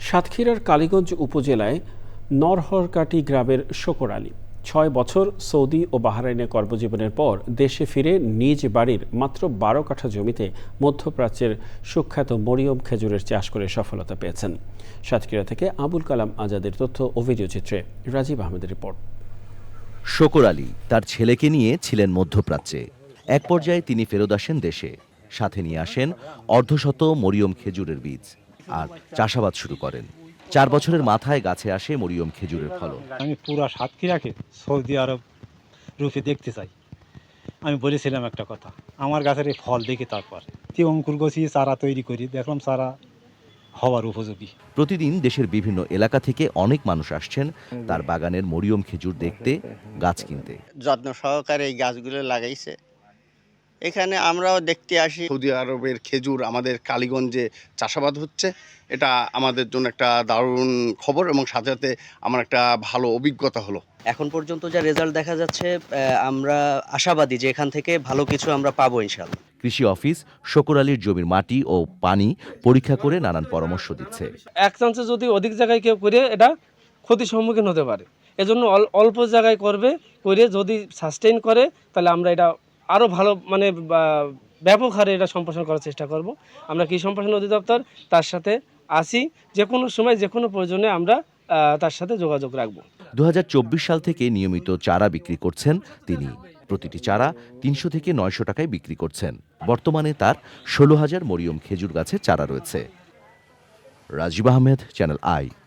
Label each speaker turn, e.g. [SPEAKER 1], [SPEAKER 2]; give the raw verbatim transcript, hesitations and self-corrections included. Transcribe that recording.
[SPEAKER 1] সাতক্ষীরার কালীগঞ্জ উপজেলায় নরহরকাটি গ্রামের শকর আলী ছয় বছর সৌদি ও বাহরাইনে কর্মজীবনের পর দেশে ফিরে নিজ বাড়ির মাত্র বারো কাঠা জমিতে মধ্যপ্রাচ্যের সুখ্যাত মরিয়ম খেজুরের চাষ করে সফলতা পেয়েছেন। সাতক্ষীরা থেকে আবুল কালাম আজাদের তথ্য ও ভিডিও চিত্রে রাজীব আহমেদের রিপোর্ট।
[SPEAKER 2] শকর আলী তার ছেলেকে নিয়ে ছিলেন মধ্যপ্রাচ্যে। এক পর্যায়ে তিনি ফেরত আসেন দেশে, সাথে নিয়ে আসেন অর্ধশত মরিয়ম খেজুরের বীজ আর চাষাবাদ শুরু করেন। চার বছরের মাথায় গাছে আসে মরিয়ম খেজুরের ফলন।
[SPEAKER 3] আমি পুরা সাতক্ষীরাকে সৌদি আরব রূপে দেখতে চাই। আমি বলেছিলাম একটা কথা, আমার গাছের এই ফল দেখে তারপর কি অঙ্কুর গছিয়ে চারা তৈরি করি, দেখলাম চারা হওয়ার উপযোগী।
[SPEAKER 2] প্রতিদিন দেশের বিভিন্ন এলাকা থেকে অনেক মানুষ আসছেন তার বাগানের মরিয়ম খেজুর দেখতে, গাছ কিনতে।
[SPEAKER 4] যত্ন সহকারে এই গাছগুলো লাগাইছে। এখানে আমরাও দেখতে আসি।
[SPEAKER 5] সৌদি আরবের খেজুর আমাদের কালীগঞ্জে চাষাবাদ হচ্ছে, এটা আমাদের জন্য একটা দারুণ খবর এবং সাথে সাথে আমার একটা ভালো অভিজ্ঞতা হলো।
[SPEAKER 6] এখন পর্যন্ত যা রেজাল্ট দেখা যাচ্ছে, আমরা আশাবাদী যে এখান থেকে ভালো কিছু আমরা পাবো ইনশাআল্লাহ।
[SPEAKER 2] কৃষি অফিস শকর আলীর জমির মাটি ও পানি পরীক্ষা করে নানান পরামর্শ দিচ্ছে।
[SPEAKER 7] এক চান্সে যদি অধিক জায়গায় কেউ করে এটা ক্ষতির সম্মুখীন হতে পারে, এজন্য অল্প জায়গায় করবে, করে যদি সাস্টেইন করে তাহলে আমরা এটা আরও ভালো মানে ব্যাপক হারে এটা সম্প্রসারণ করার চেষ্টা করব। আমরা কৃষি সম্প্রসারণ অধিদপ্তর তার সাথে আসি, যে কোনো সময় যে কোনো প্রয়োজনে আমরা তার সাথে যোগাযোগ রাখব।
[SPEAKER 2] দু হাজার চব্বিশ সাল থেকে নিয়মিত চারা বিক্রি করছেন তিনি। প্রতিটি চারা তিনশো থেকে নয়শো টাকায় বিক্রি করছেন। বর্তমানে তার ষোলো হাজার মরিয়ম খেজুর গাছের চারা রয়েছে। Rajib Ahmed, channel I.